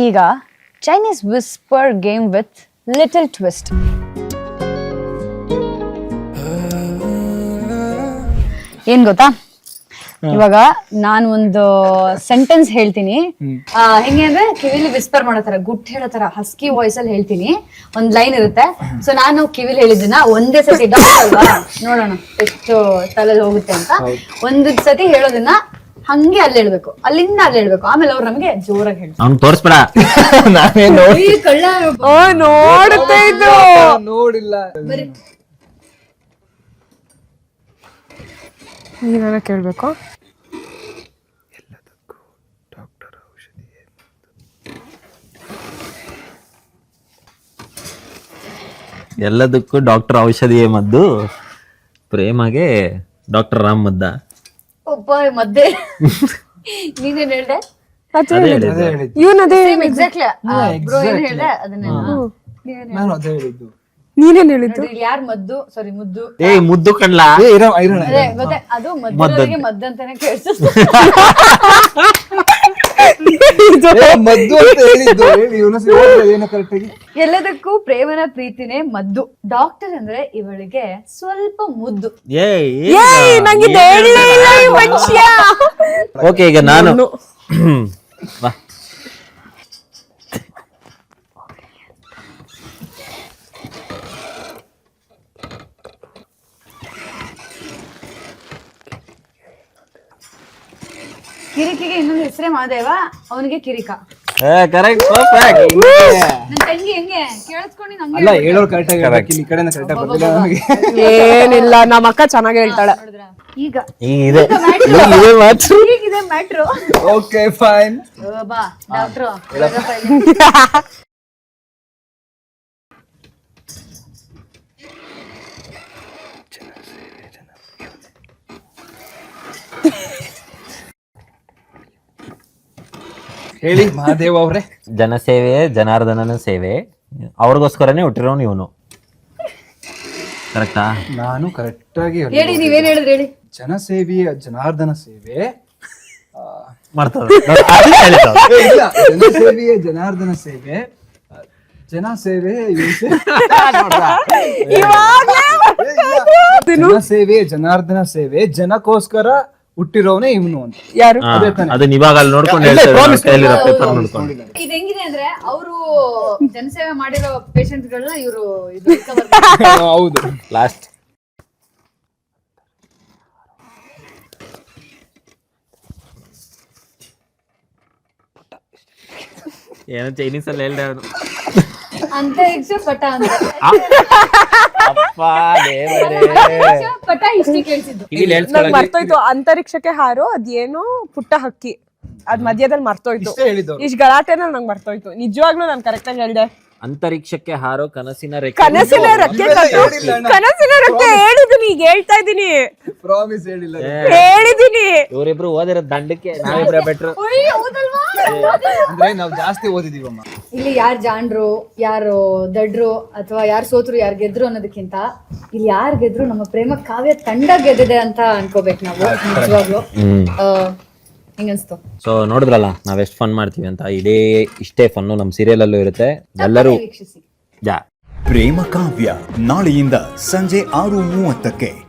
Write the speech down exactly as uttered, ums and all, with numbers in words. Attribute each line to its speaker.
Speaker 1: ಈಗ Chinese whisper game with little twist. ಏನ್ ಗೊತ್ತಾ, ಇವಾಗ ನಾನು ಒಂದು ಸೆಂಟೆನ್ಸ್ ಹೇಳ್ತೀನಿ, ಹೆಂಗೆ ಅಂದ್ರೆ ಕಿವಿಲಿ ವಿಸ್ಪರ್ ಮಾಡೋ ತರ, ಗುಟ್ ಹೇಳೋ ತರ ಹಸ್ಕಿ ವಾಯ್ಸ್ ಅಲ್ಲಿ ಹೇಳ್ತೀನಿ. ಒಂದ್ ಲೈನ್ ಇರುತ್ತೆ. ಸೊ ನಾನು ಕಿವಿಲಿ ಹೇಳಿದ್ದನ್ನ ಒಂದೇ ಸತಿ ಅಲ್ವಾ, ನೋಡೋಣ ಎಷ್ಟು ತಲೆಯಲ್ಲಿ ಹೋಗುತ್ತೆ ಅಂತ. ಒಂದ್ ಸತಿ ಹೇಳೋದನ್ನ ಹಂಗೆ ಅಲ್ಲಿ ಹೇಳ್ಬೇಕು, ಅಲ್ಲಿಂದ ಅಲ್ಲಿ ಹೇಳ್ಬೇಕು, ಆಮೇಲೆ ಅವ್ರು ನಮ್ಗೆ ಜೋರಾಗಿ ಹೇಳ್ತಾರೆ.
Speaker 2: ಅವ್ನು ತೋರಿಸ್ಬೇಡ,
Speaker 1: ಕಳ್ಳ
Speaker 3: ನೋಡುತ್ತಾ ಇದ್ದು
Speaker 4: ನೋಡಿಲ್ಲ.
Speaker 3: ನೀನ ಕೇಳ್ಬೇಕು.
Speaker 2: ಎಲ್ಲದಕ್ಕೂ ಡಾಕ್ಟರ್ ಔಷಧಿಯೇ ಮದ್ದು, ಪ್ರೇಮಗೆ ಡಾಕ್ಟರ್ ರಾಮ್ ಮದ್ದ.
Speaker 1: ಒಬ್ಬ ಮದ್ದೆ ನೀನೇನ್ ಹೇಳ್ದೆ?
Speaker 3: ಇವನದೇ
Speaker 1: ಎಕ್ಸಾಕ್ಟ್ಲಿ ಬ್ರೋ ಏನ್ ಹೇಳ್ದೆ ಅದನ್ನೇ
Speaker 4: ನಾನು ಅದೇ ಹೇಳಿದ್ದು.
Speaker 3: ನೀನೇನ್ ಹೇಳಿದ್ದು?
Speaker 1: ಯಾರ್ ಮದ್ದು, ಸಾರಿ ಮುದ್ದು.
Speaker 2: ಏ ಮುದ್ದು ಕಣ್ಲ,
Speaker 1: ಅದೇ ಗೊತ್ತೆ, ಅದು ಮದ್ದವರಿಗೆ ಮದ್ದು ಅಂತಾನೆ ಕೇಳಿಸುತ್ತೆ.
Speaker 4: ಮದ್ದು ಅಂತ ಹೇಳಿದ್ದು. ಏನು ಕರೆಕ್ಟಾಗಿ
Speaker 1: ಎಲ್ಲದಕ್ಕೂ ಪ್ರೇಮನ ಪ್ರೀತಿನೇ ಮದ್ದು. ಡಾಕ್ಟರ್ ಅಂದ್ರೆ ಇವಳಿಗೆ ಸ್ವಲ್ಪ ಮುದ್ದು.
Speaker 2: ಓಕೆ, ಈಗ ನಾನು
Speaker 1: ಕಿರಿಕಿಗೆ ಇನ್ನೊಂದು ಹೆಸರೇ ಮಾದೇವ, ಅವನಿಗೆ ಕಿರಿಕ.
Speaker 2: ಕರೆಕ್ಟ್.
Speaker 1: ನನ್ ತಂಗಿ ಹೆಂಗೆ ಕೇಳಿಸ್ಕೊಂಡು ನಂಗೆ
Speaker 4: ಅಲ್ಲ, ಹೇಳೋರು ಕರೆಕ್ಟಾಗಿ ಹೇಳ್ಬೇಕು. ಈ ಕಡೆನ ಕರೆಕ್ಟಾಗಿ ಬರ್ತಿಲ್ಲ ನಮಗೆ.
Speaker 3: ಏನಿಲ್ಲ, ನಮ್ಮ ಅಕ್ಕ ಚೆನ್ನಾಗಿ ಹೇಳ್ತಾಳೆ.
Speaker 1: ಈಗ
Speaker 2: ಇದೆ ಮಾತು.
Speaker 1: ಈಗಿದೆ ಮ್ಯಾಟ್ರು.
Speaker 4: Okay fine.
Speaker 1: ಬಾ ಡಾಕ್ಟ್ರು.
Speaker 4: ಹೇಳಿ ಮಹಾದೇವ್ ಅವ್ರೆ.
Speaker 2: ಜನಸೇವೆ ಜನಾರ್ದನನ ಸೇವೆ, ಅವ್ರಿಗೋಸ್ಕರನೇ ಹುಟ್ಟಿರೋನು ಇವನು. ಕರೆಕ್ಟಾ?
Speaker 4: ನಾನು ಕರೆಕ್ಟ್ ಆಗಿ
Speaker 1: ಹೇಳಿ, ನೀವೇನ್ ಹೇಳಿದ್ರಿ ಹೇಳಿ.
Speaker 4: ಜನಸೇವೆಯ ಜನಾರ್ದನ ಸೇವೆ
Speaker 2: ಮಾಡ್ತಾರೆ.
Speaker 4: ಇಲ್ಲ, ಜನಸೇವೆಯ ಜನಾರ್ದನ ಸೇವೆ, ಜನ ಸೇವೆ, ಜನಸೇವೆ ಜನಾರ್ದನ ಸೇವೆ, ಜನಕ್ಕೋಸ್ಕರ ಹುಟ್ಟಿರೋನೇ ಇವನು ಅಂತ.
Speaker 3: ಯಾರು?
Speaker 2: ಅದನ್ನ ಇವಾಗ ಅಲ್ಲಿ ನೋಡ್ಕೊಂಡು ಹೇಳ್ತಾರೆ, ಪೇಪರ್ ನೋಡ್ಕೊಂಡು.
Speaker 1: ಇದು ಹೆಂಗಿದೆ ಅಂದ್ರೆ, ಅವರು ಜನಸೇವೆ ಮಾಡಿರೋ ಪೇಷಂಟ್ ಗಳನ್ನ ಇವರು
Speaker 4: ಹೌದು.
Speaker 2: ಲಾಸ್ಟ್ ಏನೋ ಚೈನೀಸ್ ಅಲ್ಲಿ ಹೇಳ್ದೆ ಅವನು.
Speaker 1: ಅಂತರಿಕ್ಷ ಪಟ ಅಂತ ಪಟ ಇಷ್ಟೇ ಕೇಳಿಸಿದ್ದು.
Speaker 3: ನಂಗ್ ಮರ್ತೋಯ್ತು, ಅಂತರಿಕ್ಷಕ್ಕೆ ಹಾರೋ ಅದೇನೋ ಪುಟ್ಟ ಹಕ್ಕಿ, ಅದ್ ಮಧ್ಯದಲ್ಲಿ ಮರ್ತೋಯ್ತು. ಇಷ್ಟ ಗಲಾಟೆನಲ್ಲಿ ನಂಗೆ ಮರ್ತೋಯ್ತು. ನಿಜವಾಗ್ಲೂ ನಾನು ಕರೆಕ್ಟ್ ಆಗಿ ಹೇಳ್ದೆ.
Speaker 2: ಅಂತರಿಕ್ಷಕ್ಕೆ ಹಾರೋ ಕನಸಿನ ರೆಕ್ಕೆ.
Speaker 3: ಕನಸಿನ ರೆಕ್ಕೆ ಕನಸಿನ ರೆಕ್ಕೆ ಹೇಳಿದೀನಿ, ಈಗ ಹೇಳ್ತಾ ಇದೀನಿ.
Speaker 4: ಪ್ರಾಮಿಸ್ ಹೇಳಿಲ್ಲ,
Speaker 3: ಹೇಳಿದೀನಿ.
Speaker 2: ಇವರಿಬ್ರು ಓದಿರೋ ದಂಡಕ್ಕೆ ನಾವಿಬ್ರ ಬೆಟ್ರು.
Speaker 4: ಅಂದ್ರೆ ನಾವು ಜಾಸ್ತಿ ಓದಿದೀವಮ್ಮ.
Speaker 1: ಇಲ್ಲಿ ಯಾರು ಜಾಣ್ರು, ಯಾರು ದಡ್ರು, ಅಥವಾ ಯಾರು ಸೋತ್ರು, ಯಾರು ಗೆದ್ರು ಅನ್ನೋದಕ್ಕಿಂತ ಇಲ್ಲಿ ಯಾರು ಗೆದ್ರು ನಮ್ಮ ಪ್ರೇಮ ಕಾವ್ಯ ತಂಡ ಗೆದ್ದಿದೆ ಅಂತ ಅನ್ಕೋಬೇಕು ನಾವು. ನಿಜವಾಗ್ಲು ಹಿಂಗನ್ಸ್ತು.
Speaker 2: ಸೊ ನೋಡಿದ್ರಲ್ಲ ನಾವ್ ಎಷ್ಟು ಫನ್ ಮಾಡ್ತೀವಿ ಅಂತ. ಇಡೇ ಇಷ್ಟೇ ಫನ್ನು ನಮ್ಮ ಸೀರಿಯಲ್ ಅಲ್ಲೂ ಇರುತ್ತೆ. ಎಲ್ಲರೂ
Speaker 1: ವೀಕ್ಷಿಸಿ.
Speaker 2: ಜಾ
Speaker 5: ಪ್ರೇಮ ಕಾವ್ಯ ನಾಳೆಯಿಂದ ಸಂಜೆ ಆರು ಮೂವತ್ತಕ್ಕೆ.